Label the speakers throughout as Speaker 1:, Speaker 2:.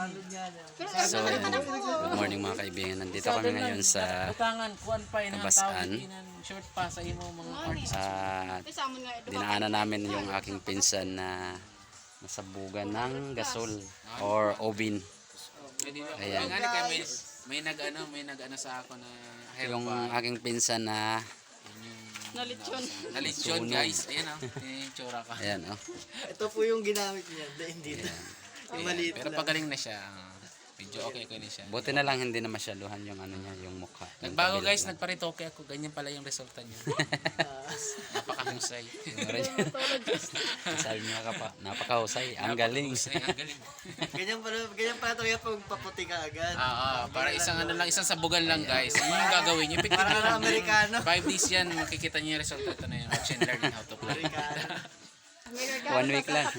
Speaker 1: So, good morning mga kaibigan. Nandito kami ngayon sa Kabasaan.
Speaker 2: Short pa sa imo mga artist.
Speaker 1: At dinaanan namin yung aking pinsan na nasabugan ng gasol or oven. Ayan.
Speaker 2: May nag-ano sa ako na
Speaker 1: Yung aking pinsan na
Speaker 2: nalitsyon guys. Ayan oh. Yung tsura ka.
Speaker 1: ayan oh.
Speaker 3: Ito po yung ginamit niya. Hindi na. Yung maliit
Speaker 2: Pero
Speaker 3: lang.
Speaker 2: pagaling na siya. Medyo okay na siya.
Speaker 1: Buti na lang hindi na masyaluhan yung ano niya, yung mukha. Yung
Speaker 2: Nagbago
Speaker 1: kabila
Speaker 2: guys,
Speaker 1: lang.
Speaker 2: nagparitoke ako. Ganyan pala yung resulta niya. Napakahusay.
Speaker 1: Sabi niya ka pa, napakahusay. Ang galing.
Speaker 2: Napakahusay, ang galing.
Speaker 3: Ganyan pala ito kaya pag paputi ka agad.
Speaker 2: Para isang ano lang, isang sabugan lang guys. Ano yung gagawin niyo? Epektibo
Speaker 3: Parang
Speaker 2: lang.
Speaker 3: Amerikano.
Speaker 2: 5 days yan, makikita niyo yung resulta. Ito na yun. Watch and learn how to play.
Speaker 3: Amerikano.
Speaker 1: 1 week lang.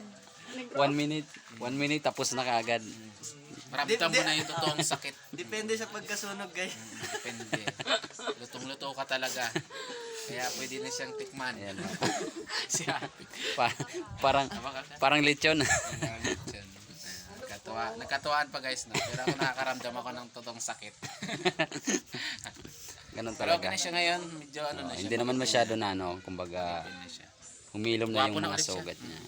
Speaker 1: 1 minute tapos na kaagad.
Speaker 2: Maramdam mo na yung totoong sakit.
Speaker 3: Depende sa pagkasunog guys.
Speaker 2: Depende. Lutong-luto ka talaga. Kaya pwede na siyang tikman.
Speaker 1: Ayan.
Speaker 2: Si ate.
Speaker 1: Parang lechon.
Speaker 2: Nagkatuwaan pa guys. No? Pero ako nakakaramdam ako ng totoong sakit.
Speaker 1: Ganun
Speaker 2: Pero
Speaker 1: talaga.
Speaker 2: okay na siya ngayon. Medyo ano na siya.
Speaker 1: Hindi naman masyado na ano, kumbaga
Speaker 2: Okay na siya.
Speaker 1: humilom na yung
Speaker 2: Gwapo na
Speaker 1: mga
Speaker 2: ulit siya.
Speaker 1: sugat niya.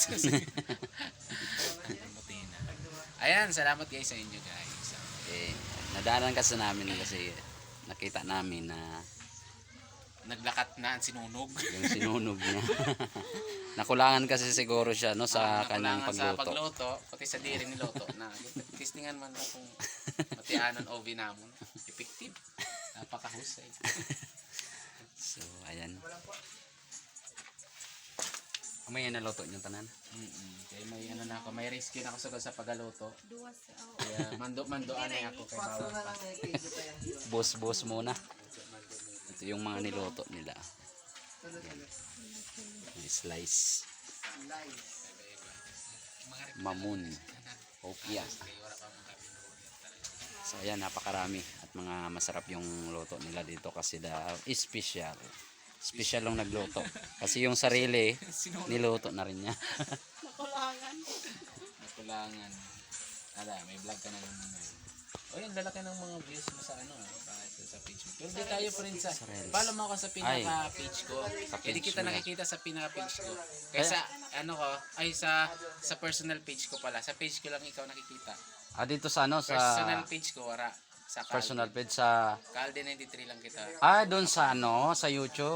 Speaker 2: Buti na. Ayan, salamat guys sa inyo guys.
Speaker 1: Eh, nadaanan kasi namin kasi nakita namin na
Speaker 2: Naglakat na ang sinunog.
Speaker 1: yung sinunog niya. Nakulangan kasi siguro siya no sa kanyang
Speaker 2: Nakulangan sa
Speaker 1: pagluto.
Speaker 2: pagluto, pati sa diri ni Loto na testingan man lang kung matianon o binamon. Effective. Napakahusay.
Speaker 1: So, ayan. May naluto niyo tanan.
Speaker 2: Kaya may ano na ako, may rescue na ako sa pagaluto. Kaya mando-mando anay ako kay bawal pa.
Speaker 1: Bus muna. Ito yung mga niluto nila. May slice. Mamun. Opia. So ayan, napakarami at mga masarap yung luto nila dito kasi special. Special yung nagluto. Kasi yung sarili, niluto na rin niya.
Speaker 2: Nakulangan. Ala, may vlog ka na naman ngayon. O yun, lalaki ng mga views mo sa ano, kahit sa page mo. Pero di tayo pa rin sa, follow mo ako sa pinaka-page ko. Hindi kita nakikita sa pinaka-page ko. Kaysa, ano ko, ay sa personal page ko pala. Sa page ko lang ikaw nakikita.
Speaker 1: Dito sa ano, sa
Speaker 2: Personal page ko, wala. Sa
Speaker 1: personal page sa
Speaker 2: Calde 93 lang kita.
Speaker 1: doon sa ano, sa YouTube.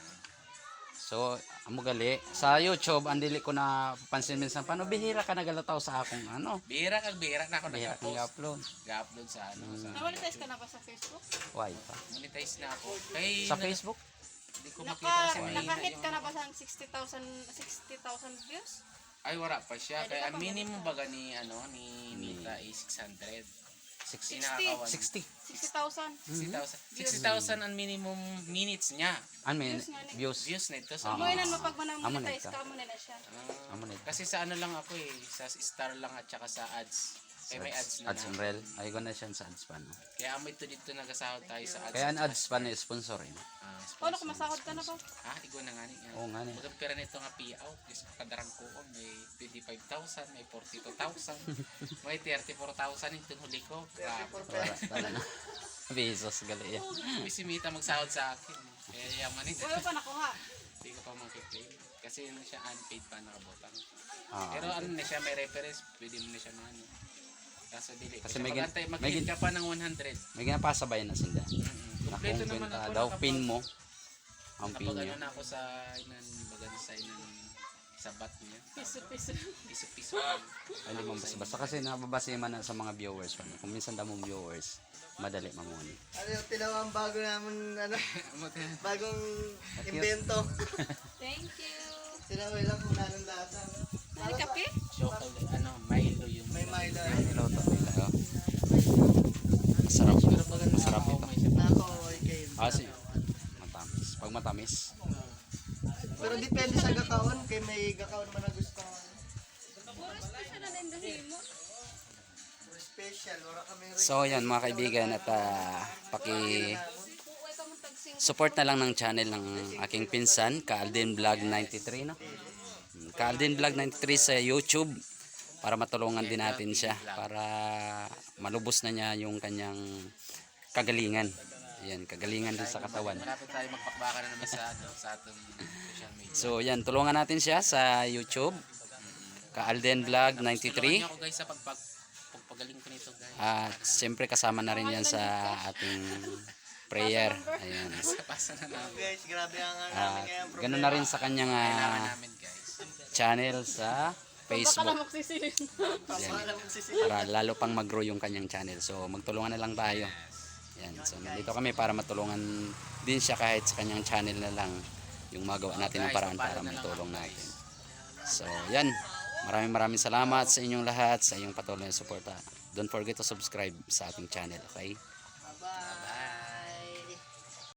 Speaker 1: So, amo gali sa YouTube andili ko na papansin minsan paano bihira ka nagalataw sa akong ano.
Speaker 2: Bihira na ako
Speaker 1: Bihira kang
Speaker 2: nag-upload.
Speaker 1: upload.
Speaker 2: Ga-upload sa ano. Sa,
Speaker 4: Namonetize ka na ba sa Facebook?
Speaker 1: Why pa?
Speaker 2: monetize na ako. Kay,
Speaker 1: Sa Facebook?
Speaker 2: Hindi ko makita kasi may
Speaker 4: Nakahit ka na ba sa 60,000 views?
Speaker 2: Ay wala pa siya. Kaya ang minimum baga ni ano ni Mita is 600.
Speaker 1: 60. 60.
Speaker 4: 60,000.
Speaker 2: 60,000 ang minimum minutes niya.
Speaker 1: Ano may views?
Speaker 2: Views nito. So,
Speaker 4: Mo yun mo pag
Speaker 1: Amo na
Speaker 4: monetize
Speaker 1: ito.
Speaker 4: ka mo na siya.
Speaker 1: Amo na.
Speaker 2: kasi sa ano lang ako eh, sa star lang at saka sa ads. Kaya may ads na.
Speaker 1: Ads and rel. Ay ko na siya sa ads pa no.
Speaker 2: Kaya amoy ito dito nagasahod tayo sa ads.
Speaker 1: Kaya ang ads pa na sponsor eh.
Speaker 4: Paano kung masahod ka na ba?
Speaker 2: Igo na nga ni.
Speaker 1: Oo nga ni.
Speaker 2: Magang pera nito nga payout. Kasi kadarang ko may 25,000, may 42,000, may 34,000 yung huli ko.
Speaker 1: Wala talaga. Besos gali yan.
Speaker 2: Si Mita magsahod sa akin. Kaya yaman ito.
Speaker 4: Wala pa nakuha.
Speaker 2: Hindi ko pa makiklaim. Kasi ano siya unpaid pa nakabotang.
Speaker 1: Ah,
Speaker 2: Pero ano na siya, may reference. Pwede mo na siya ano. Kaso dili.
Speaker 1: Kasi
Speaker 2: Kasi
Speaker 1: may
Speaker 2: mag-hit ka pa ng 100.
Speaker 1: May ginapasabay na sila.
Speaker 2: Kompleto naman
Speaker 1: Nakumpenta
Speaker 2: ako.
Speaker 1: daw pin mo. Ang pin
Speaker 2: Napag ano
Speaker 1: niya.
Speaker 2: na ako sa baga sa sabat niya.
Speaker 4: Piso.
Speaker 2: Piso-piso.
Speaker 1: Ay, di mo basta kasi nababase man na sa mga viewers. Kung minsan daw mong viewers, madali mamuni.
Speaker 3: Ano yung tinawa ang bago namin, bagong invento.
Speaker 4: Thank you.
Speaker 3: Tinaway lang kung nanong lasa.
Speaker 4: Ano kape?
Speaker 2: Chocolate, Milo yung
Speaker 3: May Milo.
Speaker 1: Niloto nila. Oh. Masarap. Masarap ito.
Speaker 3: Nako, okay.
Speaker 1: Si matamis. Pag matamis,
Speaker 3: Pero depende sa gakaon. Kay may gakaon man na gusto.
Speaker 4: Puro special na din dahi mo.
Speaker 3: Special. Wala kami
Speaker 1: so yan mga kaibigan at support na lang ng channel ng aking pinsan, Kaalden Vlog 93 no. Kaalden Vlog 93 sa YouTube. para matulungan din natin siya para malubos na niya yung kanyang kagalingan. Ayan, kagalingan din sa katawan.
Speaker 2: Malapit tayo magpakbaka na naman sa atong social media.
Speaker 1: So yan, tulungan natin siya sa YouTube. Ka-Alden Vlog
Speaker 2: Tulungan
Speaker 1: 93.
Speaker 2: niyo ako guys sa pagpagaling ko nito guys.
Speaker 1: At siyempre kasama na rin yan sa ating prayer. Ayan.
Speaker 2: Pasa na namin.
Speaker 3: Guys, grabe ang ano namin ngayon.
Speaker 1: Ganun na rin sa kanyang
Speaker 2: Kailangan namin guys.
Speaker 1: channel sa
Speaker 4: Baka na
Speaker 1: Facebook.
Speaker 4: magsisilin.
Speaker 1: Para lalo pang mag-grow yung kanyang channel. So magtulungan na lang tayo. Yan. So nandito kami para matulungan din siya kahit sa kanyang channel na lang yung magawa natin ng paraan para matulong natin. So yan. Maraming salamat sa inyong lahat, sa inyong patuloy na suporta. Don't forget to subscribe sa ating channel, okay?